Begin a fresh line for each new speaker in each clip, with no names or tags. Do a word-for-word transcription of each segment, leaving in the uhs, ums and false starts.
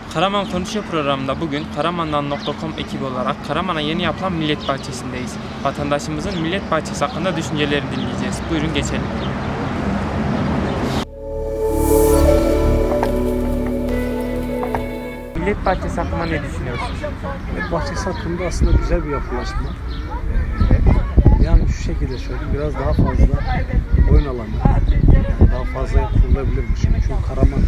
Karaman Konuşuyor programında bugün karamandan nokta com ekibi olarak Karaman'a yeni yapılan Millet Bahçesi'ndeyiz. Vatandaşımızın Millet Bahçesi hakkında düşüncelerini dinleyeceğiz. Buyurun geçelim. Millet Bahçesi hakkında ne düşünüyorsunuz?
Millet Bahçesi hakkında aslında güzel bir yapılaşma. Ee, yani şu şekilde söyleyeyim, biraz daha fazla oyun alanı, yani daha fazla yapılabilirmiş. Çünkü Karaman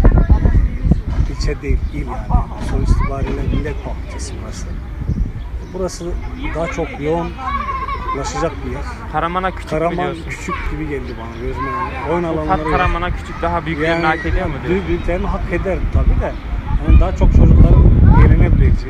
ilçe değil, il yani. Sonuç itibariyle Millet Bahçesi burası. Burası daha çok yoğunlaşacak bir yer.
Karaman'a küçük
Karaman
biliyorsunuz.
küçük gibi geldi bana gözüme. Yani. Oyun
Bu
alanları
kat Karaman'a küçük, daha büyüklerini
yani,
hak ediyor mu diyor?
Büyük büyüklerini hak eder tabii de. Yani daha çok çocukların eğlenebileceği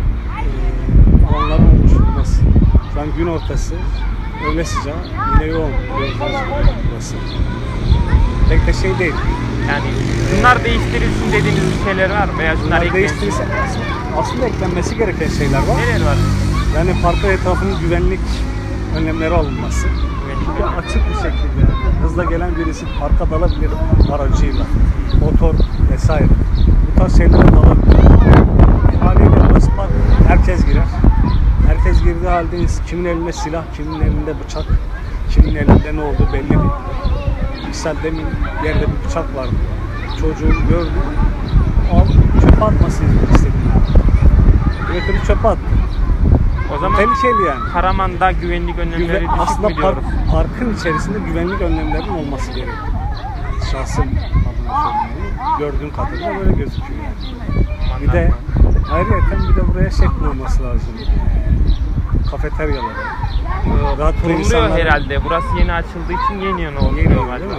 e, alanların oluşturulması. Şu an gün ortası, öğle sıcağı, yine yoğun burası. Pek de şey değil.
Yani bunlar değiştirilsin dediğiniz bir şeyler var mı? Veya şunlar
Bunlar
eklensin.
değiştirirse aslında eklenmesi gereken şeyler var.
Neler var?
Yani parkın etrafının güvenlik önlemleri alınması.
Güvenlik
Ya açık bir şekilde yani hızla gelen birisi parka dalabilir aracıyla, motor vesaire. Bu tarz şeylere dalabilir. Haliyle burası park, herkes girer. Herkes girdiği halde kimin elinde silah, kimin elinde bıçak, kimin elinde ne olduğu belli değil. Misal demin yerde bir bıçak vardı. Çocuğu gördü. Al, çöpe atmasını istedim. Götürüp çöpe attı.
O zaman
Tehlikeli yani.
Karaman'da güvenlik önlemleri
Güven,
düşük
aslında
mü
park,
diyoruz?
parkın içerisinde güvenlik önlemlerinin olması gerekiyor. Şahsım adına söyleyeyim. Gördüğüm kadarıyla böyle gözüküyor yani. Bir de ayrıca bir de buraya şey kurulması lazım. Kafeteryalar. Rahat
Kuruluyor
insanlar-
herhalde. Burası yeni açıldığı için yeni yeni oluyor
Yeni değil
galiba.
mi?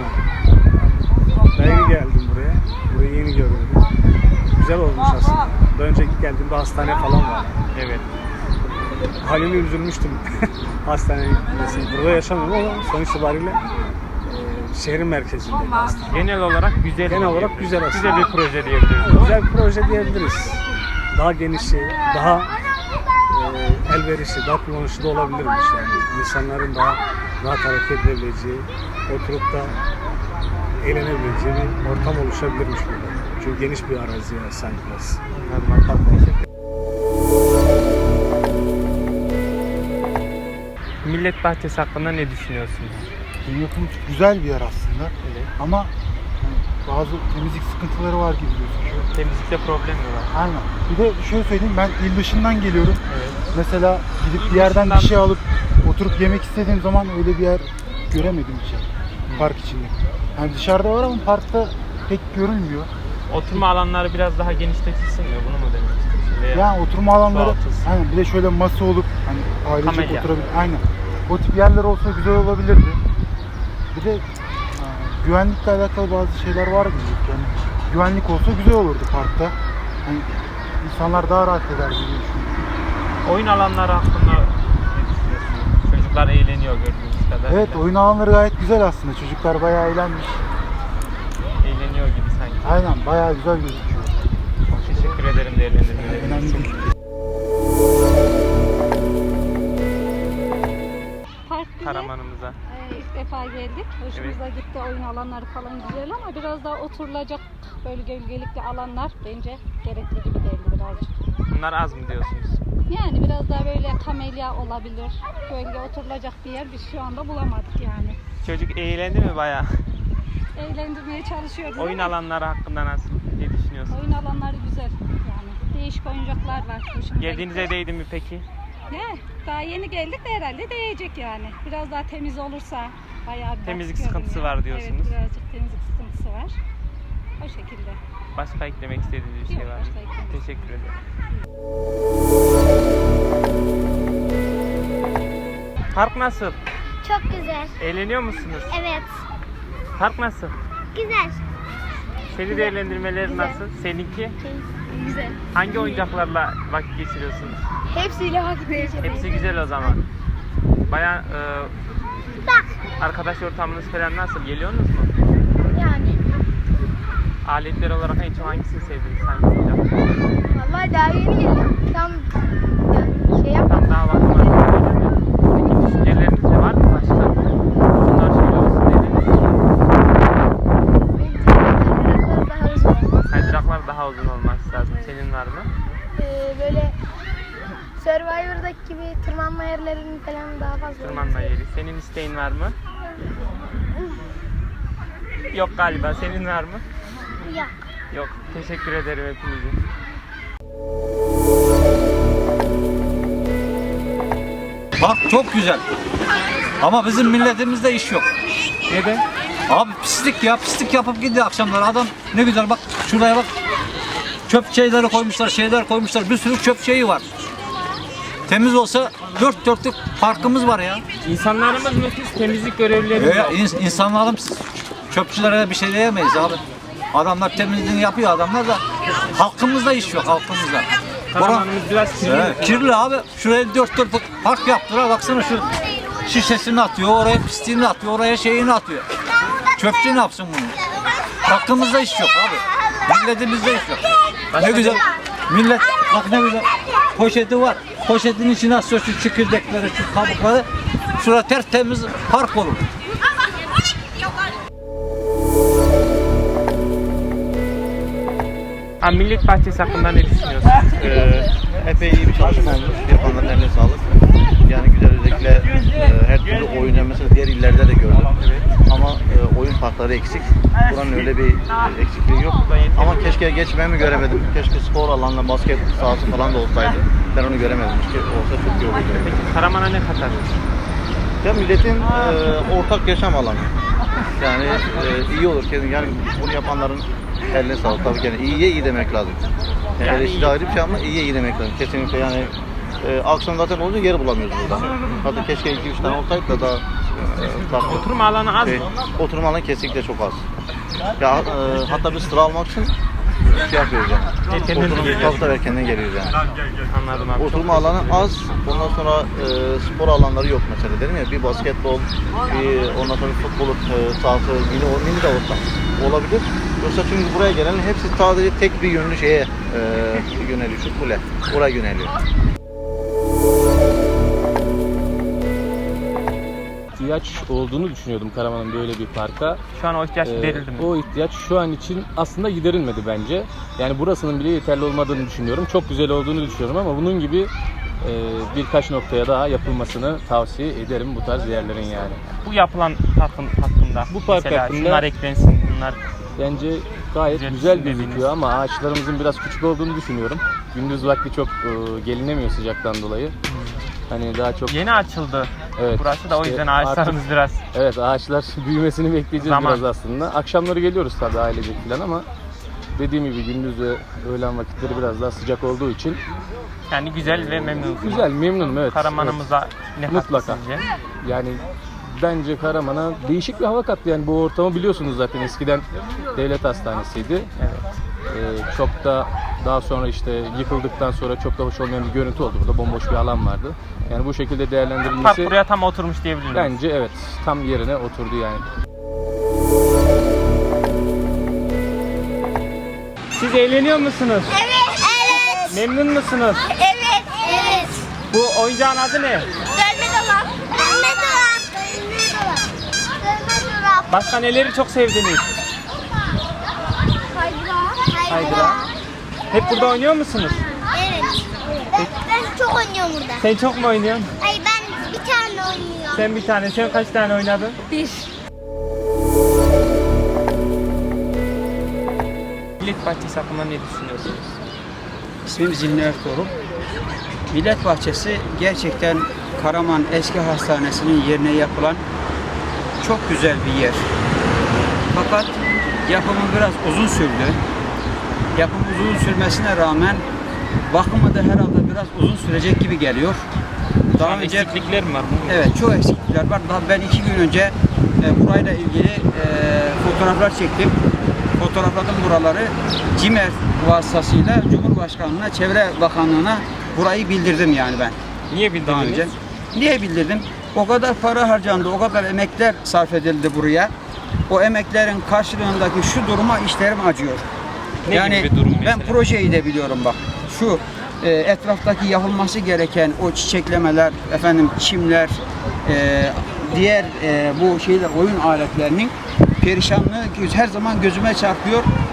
Ben yeni geldim buraya. Burayı yeni gördüm. Güzel olmuş aslında. Daha önceki geldiğimde hastane falan var.
Evet.
Halime üzülmüştüm hastaneye gitmesine. Burada yaşamıyorum ama sonuç itibariyle e, şehrin merkezindeyim aslında.
Genel olarak güzel.
Genel olarak
diyebiliriz.
güzel aslında.
Güzel bir proje diyebiliriz.
Güzel bir proje diyebiliriz. Daha genişi, daha e, elverişli, daha kullanışlı da olabilirmiş yani. İnsanların daha rahat hareket edebileceği, oturup da eğlenebileceği bir ortam oluşabilirmiş burada. Çünkü geniş bir araziye sahip burası.
Anladım. Teşekkür ederim. Millet Bahçesi hakkında ne düşünüyorsunuz?
Yapım güzel bir yer aslında.
Evet.
Ama hani bazı temizlik sıkıntıları var gibi gözüküyor.
Temizlikte problem mi var?
Aynen. Bir de şöyle söyleyeyim, ben il dışından geliyorum.
Evet.
Mesela gidip
İl
bir yerden
dışından-
bir şey alıp oturup yemek istediğim zaman öyle bir yer göremedim bir şey. Park içinde. Yani dışarıda var ama parkta pek görülmüyor.
Oturma alanları biraz daha genişletilsin mi? Bunu mu demek istiyorsun? Veya
Yani oturma alanları,
çoğaltılsın.
aynen, bir de şöyle masa olup hani ailecek
Kamelya.
oturabilir. Aynen. O tip yerler olsa güzel olabilirdi. Bir de e, güvenlikle alakalı bazı şeyler var gibi. Yani güvenlik olsa güzel olurdu parkta. Hani insanlar daha rahat eder diye düşünüyorum.
oyun alanları hakkında ne düşünüyorsunuz? Çocuklar eğleniyor gördüğünüz kadarıyla.
Evet, oyun alanları gayet güzel aslında. Çocuklar bayağı eğlenmiş.
Eğleniyor gibi sanki.
Aynen, bayağı güzel gözüküyor.
Teşekkür ederim değerlendirmeleriniz
Önemli
için.
değil.
Park güzel.
Karamanımıza.
Ee, ilk defa geldik. Hoşumuza gitti. Oyun alanları falan güzel ama biraz daha oturulacak böyle gölgelikli alanlar bence gerekli gibi geldi birazcık.
Bunlar az mı diyorsunuz?
Yani biraz daha böyle kamelya olabilir. Gölge oturulacak bir yer biz şu anda bulamadık yani.
Çocuk eğlendi mi bayağı?
Eğlendirmeye çalışıyoruz
Oyun
ama
alanları hakkında nasıl? Ne düşünüyorsunuz?
oyun alanları güzel yani. Değişik oyuncaklar var. Hoşumuza
Geldiğinize
gitti.
değdi mi peki?
Ne? Daha yeni geldik de herhalde değecek yani. Biraz daha temiz olursa bayağı bir
Temizlik
bakıyorum
sıkıntısı
ya.
var diyorsunuz.
Evet, birazcık temizlik sıkıntısı var. O şekilde.
Başka eklemek istediğiniz bir şey
Yok,
var mı?
başka eklemek
Teşekkür ederim. Park nasıl?
Çok güzel.
Eğleniyor musunuz?
Evet.
Park nasıl?
Güzel.
Seni değerlendirmeleri
Güzel.
nasıl? Seninki?
Güzel.
Hangi oyuncaklarla vakit geçiriyorsunuz?
Hepsiyle vakit geçirdim.
Hepsi güzel o zaman. Baya e,
Bak.
arkadaş ortamınız falan nasıl? Geliyorsunuz mu?
Yani.
Aletler olarak en çok hangisini sevdiniz? Hangi oyuncak?
Vallahi daha yeni geldim. Tam yani şey yap.
Tam daha bakmadım. Peki düşünceleriniz de var mı başka? Bunlar şöyle olsun dediniz.
Bence biraz daha uzun olmaz.
Kaydıraklar daha uzun olması lazım. Senin var mı?
Ee, böyle Survivor'daki gibi tırmanma yerlerinin falan daha fazla.
Tırmanma yeri. Senin isteğin var mı? Yok galiba. Senin var mı?
Yok.
Yok. Teşekkür ederim hepinize.
Bak çok güzel. Ama bizim milletimizde iş yok.
Neden?
Abi pislik ya, pislik yapıp gidiyor akşamlar. Adam ne güzel bak şuraya bak. Çöp şeyleri koymuşlar, şeyler koymuşlar. Bir sürü çöp şeyi var. Temiz olsa dört dörtlük parkımız var ya.
İnsanlarımız nefis temizlik görevlileri
Ee,
yok.
ins- insanlarım çöpçülere bir şey diyemeyiz abi. Adamlar temizliğini yapıyor adamlar da halkımızda iş yok halkımızda.
Karamanımız biraz kirli.
Evet, kirli abi. Şuraya dört dörtlük park yaptılar. Baksana şu şişesini atıyor, oraya pisliğini atıyor, oraya şeyini atıyor. Çöpçü ne yapsın bunu? Hakkımızda iş yok abi. Milletimizde iş yok. Ne güzel. Millet bak ne güzel. Poşeti var. Poşetin içine atıyor şu çekirdekleri, şu kabukları. Şurada tertemiz park olur.
Ha, Millet Bahçesi hakkında ne düşünüyorsun?
Ee, epey iyi bir çalışma olmuş. Yapanların eline sağlık. Yani güzel özellikle e, her türlü oyun mesela diğer illerde de gördüm. Ama e, oyun parkları eksik. Buranın öyle bir e, eksikliği yok. Ama keşke geçmemi göremedim. Keşke spor alanla basket sahası falan da olsaydı. Ben onu göremedim. Keşke olsa çok iyi olurdu.
Peki Karaman'a ne katar?
Ya milletin e, ortak yaşam alanı. Yani e, iyi olur ki yani bunu yapanların eline sağlık. Tabii ki yani iyiye iyi demek lazım. Yani
Yani
eleştiri
iyi.
ayrı bir şey ama iyiye iyi demek lazım. Kesinlikle yani e, akşam zaten olunca yer bulamıyoruz burada. Hatta keşke iki üç tane olsaydı da daha e, farklı.
Oturma alanı az
Şey,
mı?
oturma alanı kesinlikle çok az. Ya e, hatta bir sıra almak için şey yapıyoruz yani.
Erkenden mi
Oturma
geliyorsun?
tabii tabii erkenden geliyoruz yani.
Anladım abi.
Oturma alanı az, ondan sonra e, spor alanları yok mesela dedim ya bir basketbol, bir ondan sonra bir futbol e, sahası, mini, o mini de olsa olabilir. Yoksa çünkü buraya gelen hepsi sadece tek bir yönlü şeye e, yöneliyor, şu kule, oraya yöneliyor.
ihtiyaç olduğunu düşünüyordum Karaman'ın böyle bir parka.
Şu an o ihtiyaç
Ee,
giderildi mi?
o ihtiyaç şu an için aslında giderilmedi bence. Yani burasının bile yeterli olmadığını düşünüyorum. Çok güzel olduğunu düşünüyorum ama bunun gibi e, birkaç noktaya daha yapılmasını tavsiye ederim bu tarz yerlerin yani.
Bu yapılan parkın hakkında.
Bu park
mesela
hakkında-
şunlar eklensin, bunlar.
Bence gayet
Güzel
güzel
dediğiniz.
gözüküyor ama ağaçlarımızın biraz küçük olduğunu düşünüyorum. Gündüz vakti çok e, gelinemiyor sıcaktan dolayı. Hani daha çok
Yeni açıldı.
evet,
Burası da o
işte
yüzden ağaçlarımız
artık-
biraz.
Evet, ağaçlar büyümesini bekleyeceğiz
Zaman.
biraz aslında. Akşamları geliyoruz tabii ailecek falan ama dediğim gibi gündüz ve öğlen vakitleri biraz daha sıcak olduğu için
Yani güzel ve memnunsunuz.
güzel, memnunum evet.
Karamanımıza ne kattı
Mutlaka.
sizce?
Evet. Yani bence Karaman'a değişik bir hava kattı yani bu ortamı biliyorsunuz zaten eskiden devlet hastanesiydi.
Evet.
Ee, çok da daha sonra işte yıkıldıktan sonra çok da hoş olmayan bir görüntü oldu. Burada bomboş bir alan vardı. Yani bu şekilde
Park
değerlendirilmesi
buraya tam oturmuş diyebilir miyiz?
bence evet tam yerine oturdu yani.
Siz eğleniyor musunuz?
Evet. Evet.
Memnun musunuz?
Evet. Evet.
Bu oyuncağın adı ne?
Dönme dolap. Dönme dolap. Dönme dolap. Dönme dolap.
Başka neleri çok sevdiniz?
Kaydıra.
Kaydıra. Hep burada oynuyor musunuz?
Evet. Ben, ben çok oynuyorum burada.
Sen çok mu oynuyorsun?
Ay ben bir tane oynuyorum.
Sen bir tane, sen kaç tane oynadın?
Bir.
Millet Bahçesi hakkında ne düşünüyorsunuz?
İsmim Zilni Ertuğrul. Millet Bahçesi gerçekten Karaman Eski Hastanesi'nin yerine yapılan çok güzel bir yer. Fakat yapımı biraz uzun sürdü. Yapım uzun sürmesine rağmen bakımı da herhalde biraz uzun sürecek gibi geliyor. Daha
Daha
önce
eksiklikler mi var?
evet çok eksiklikler var. Daha ben iki gün önce e, burayla ilgili e, fotoğraflar çektim. Fotoğrafladım buraları. CİMER vasıtasıyla Cumhurbaşkanlığına, Çevre Bakanlığı'na burayı bildirdim yani ben.
Niye
Daha önce.
bildirdiniz?
Niye bildirdim? O kadar para harcandı, o kadar emekler sarf edildi buraya. O emeklerin karşılığındaki şu duruma işlerim acıyor.
Ne
yani
gibi bir durum
ben
mesela?
projeyi de biliyorum bak. Şu e, etraftaki yapılması gereken o çiçeklemeler, efendim çimler, e, diğer e, bu şeyler oyun aletlerinin perişanlığı her zaman gözüme çarpıyor.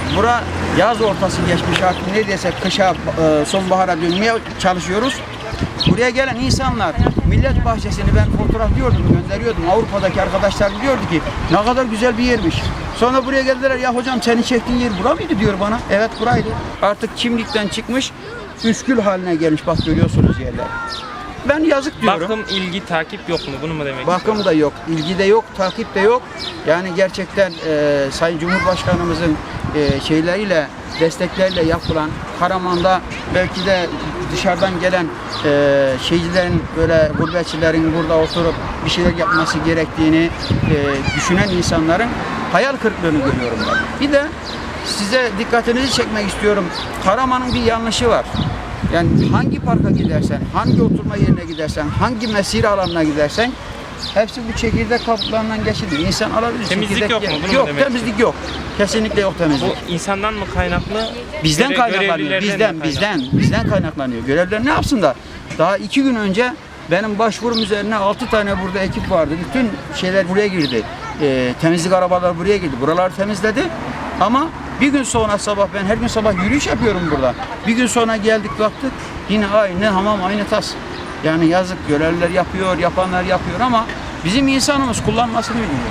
Bura yaz ortası geçmiş artık neredeyse kışa, e, sonbahara dönmeye çalışıyoruz. Buraya gelen insanlar Millet Bahçesi'ni ben fotoğraflıyordum, gönderiyordum. Avrupa'daki arkadaşlar diyordu ki ne kadar güzel bir yermiş. Sonra buraya geldiler, ya hocam senin çektiğin yer bura mıydı diyor bana. Evet buraydı. Artık çimlikten çıkmış, üskül haline gelmiş, bak görüyorsunuz yerler. Ben yazık diyorum.
Bakım, ilgi, takip yok mu? Bunu mu demek
Bakım da yok, ilgi de yok, takip de yok. Yani gerçekten e, Sayın Cumhurbaşkanımızın e, şeyleriyle, destekleriyle yapılan Karaman'da belki de dışarıdan gelen e, şeycilerin, böyle gurbetçilerin burada oturup bir şeyler yapması gerektiğini e, düşünen insanların hayal kırıklığını görüyorum ben. Bir de size dikkatinizi çekmek istiyorum. Karaman'ın bir yanlışı var. Yani hangi parka gidersen, hangi oturma yerine gidersen, hangi mesire alanına gidersen hepsi bu çekirdek kaplarından geçilir. İnsan alabilir.
Temizlik
çekirdek
yok mu?
yer-
Bunu mu
Yok,
demek
temizlik yok. Kesinlikle yok temizlik.
Bu insandan mı kaynaklı?
Bizden
göre-
kaynaklanıyor.
görevlilerden
Bizden,
mi
bizden, bizden kaynaklanıyor. Görevliler ne yapsınlar? Daha iki gün önce benim başvurum üzerine altı tane burada ekip vardı. Bütün şeyler buraya girdi. Ee, temizlik arabaları buraya girdi. Buraları temizledi. Ama bir gün sonra sabah, ben her gün sabah yürüyüş yapıyorum burada. Bir gün sonra geldik baktık yine aynı hamam, aynı tas. Yani yazık, görevliler yapıyor, yapanlar yapıyor ama bizim insanımız kullanmasını bilmiyor.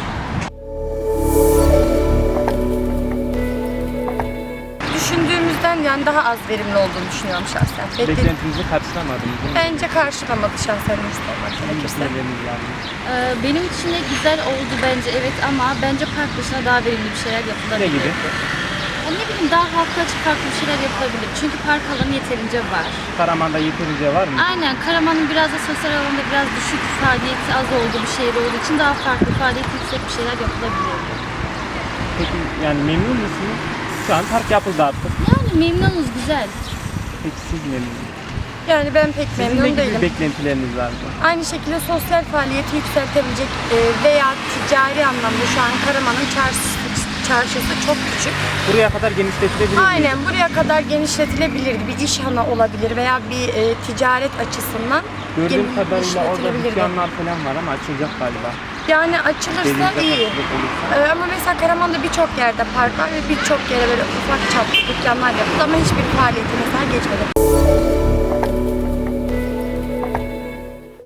Düşündüğümüzden yani daha az verimli olduğunu düşünüyorum şahsen. Bekle-
Beklentinizi karşılamadı mı? Bunu
Bence karşılamadı şahsen istemek gerekirse.
düşünceleriniz var mı?
Ee, benim için de güzel oldu bence, evet, ama bence park dışına daha verimli bir şeyler yapılabilir.
Ne gibi?
Ya ne bileyim, daha halka açık farklı bir şeyler yapılabilir. Çünkü park alanı yeterince var.
Karaman'da yeterince var mı?
Aynen, Karaman'ın biraz da sosyal alanda biraz düşük faaliyeti az olduğu bir şehir olduğu için daha farklı faaliyeti yüksek bir şeyler yapılabilir.
Peki yani memnun musunuz? Şu an park yapıldı artık.
Yani memnunuz, güzel.
Peki siz memnun musunuz?
Yani ben pek
Sizin ne
memnun
gibi
değilim.
beklentileriniz var mı?
Aynı şekilde sosyal faaliyeti yükseltebilecek e, veya ticari anlamda şu an Karaman'ın çarşısı, çarşısı çok küçük.
Buraya kadar genişletilebilir mi?
Aynen buraya kadar genişletilebilir, bir iş hanı olabilir veya bir e, ticaret açısından
Gördüğüm
gen-
kadarıyla orada
genişletilebilirdi.
dükkanlar falan var ama açılacak galiba.
Yani açılırsa
Denizde
iyi.
kapatılık olursa.
Ee, ama mesela Karaman'da birçok yerde park var ve birçok yere böyle ufak çaplı dükkanlar yapıldı ama hiçbir faaliyeti mesela geçmedi.